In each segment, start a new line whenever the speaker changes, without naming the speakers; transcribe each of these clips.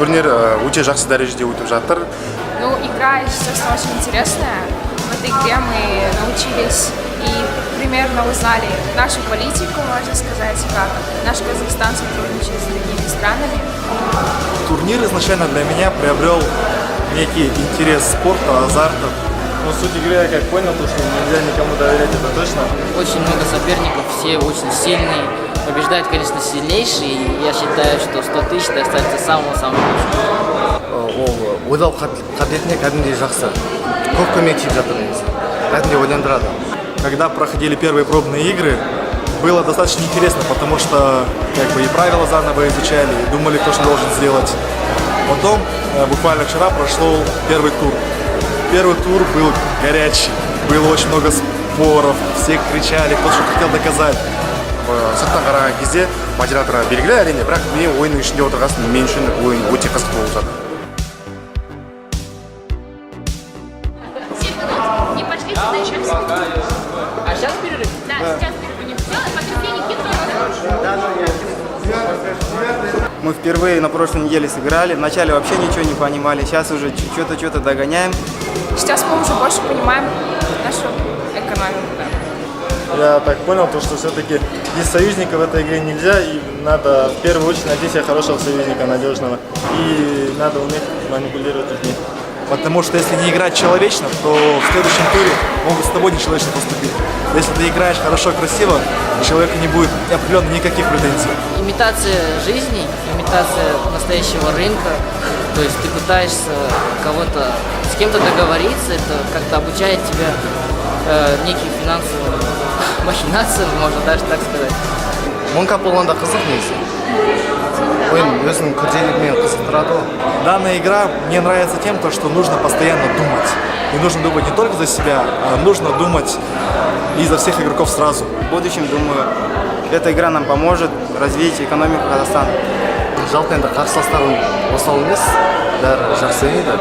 турнир өте жақсы дәрежеде өтіп жатыр.
Ну, игра, естественно, очень интересная. В этой игре мы научились и примерно узнали нашу политику, можно сказать, как наш Казахстан сотрудничает с другими странами.
Турнир изначально для меня приобрел некий интерес спорта, азарта. Но суть игры я как понял, то, что нельзя никому доверять, это точно.
Очень много соперников, все очень сильные. Побеждает, конечно, сильнейший, и я считаю, что 100 тысяч достаточно самого-самого лучшего.
Ойлау қабілетіне кәдімгідей жақсы. Көп көмек тиіп жатыр негізі. Кәдімгідей ойландырады.
Когда проходили первые пробные игры, было достаточно интересно, потому что как бы и правила заново изучали, и думали, кто что должен сделать. Потом, буквально вчера прошел первый тур. Первый тур был горячий, было очень много споров, все кричали, кто что хотел доказать.
Сырттан қараған кезде модераторға белгілі әрине, бірақ мен ойынның ішінде отырғасын, мен үшін ойын өте қызық болып жатыр.
Не пошли сюда еще в секунду.
А сейчас перерыв?
Да, сейчас перерыв не сделай, потерпение кидывай.
Мы впервые на прошлой неделе сыграли. Вначале вообще ничего не понимали. Сейчас уже что-то догоняем.
Сейчас мы уже больше понимаем нашу экономику. Да.
Я так понял, то, что все-таки без союзника в этой игре нельзя, и надо в первую очередь найти себе хорошего союзника, надежного. И надо уметь манипулировать людьми. Потому что если не играть человечно, то в следующем туре могут с тобой нечеловечно поступить. Если ты играешь хорошо, красиво, у человека не будет определенно никаких претензий.
Имитация жизни, имитация настоящего рынка. То есть ты пытаешься кого-то, с кем-то договориться, это как-то обучает тебя неким финансовым махинациям, можно даже так сказать.
Монкап болғанда қызық негізі. Ойын өзінің күрделілігімен қызықтырады.
Данная игра мне нравится тем, что нужно постоянно думать. И нужно думать не только за себя, а нужно думать и за всех игроков сразу.
В будущем, думаю, эта игра нам поможет развить экономику Казахстана.
Жалпы енді қарсыластарым осал емес, бәрі жақсы ойнайды.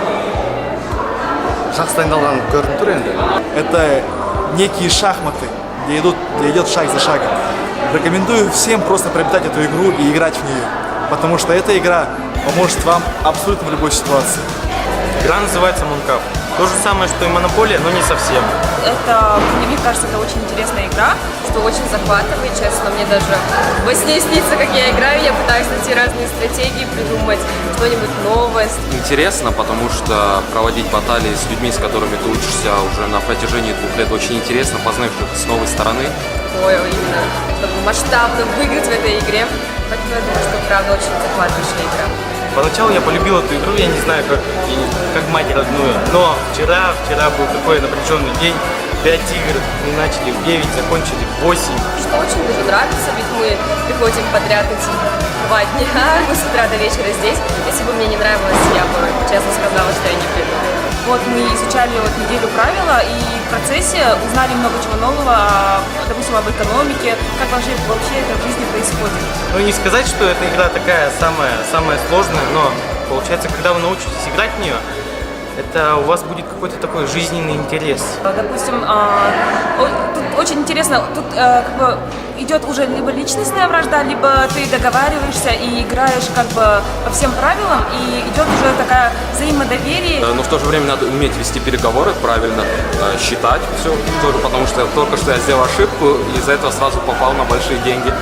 Жақсы дайындалған көрініп тұр енді.
Это некие шахматы, где идет шаг за шагом. Рекомендую всем просто приобретать эту игру и играть в нее, потому что эта игра поможет вам абсолютно в любой ситуации.
Игра называется Монкап. То же самое, что и Монополия, но не совсем.
Мне кажется, это очень интересная игра, что очень захватывает, честно. Мне даже во сне снится, как я играю, я пытаюсь найти разные стратегии, придумать что-нибудь новое.
Интересно, потому что проводить баталии с людьми, с которыми ты учишься уже на протяжении 2 лет, очень интересно, познать их с новой стороны.
Именно, чтобы масштабно выиграть в этой игре. Поэтому я думаю, что правда очень захватывающая игра.
Поначалу я полюбил эту игру, я не знаю, как мать родную. Но вчера был такой напряженный день. 5 игр, мы начали в 9, закончили в 8.
Что очень даже нравится, ведь мы приходим подряд эти 2 дня, мы с утра до вечера здесь. Если бы мне не нравилось, я бы честно сказала, что я не приду.
Вот мы изучали неделю правила и в процессе узнали много чего нового, допустим, об экономике, как вообще это в жизни происходит.
Ну не сказать, что эта игра такая самая сложная, но получается, когда вы научитесь играть в нее, это у вас будет какой-то такой жизненный интерес.
Допустим, тут очень интересно, тут как бы идет уже либо личностная вражда, либо ты договариваешься и играешь как бы по всем правилам, и идет уже такая взаимодоверие.
Но в то же время надо уметь вести переговоры, правильно считать все, потому что только что я сделал ошибку, и из-за этого сразу попал на большие деньги.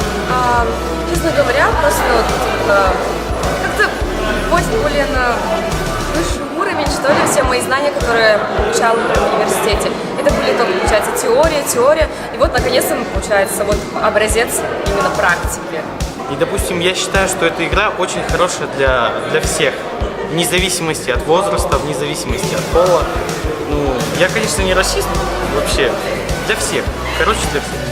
Честно говоря, просто как-то очень более на высший уровень, что ли, все мои знания, которые я получала в университете. Это были только, получается, теория, и вот, наконец-то, получается, вот образец именно практики.
И, допустим, я считаю, что эта игра очень хорошая для всех, вне зависимости от возраста, вне зависимости от пола. Ну, я, конечно, не расист вообще, для всех, короче, для всех.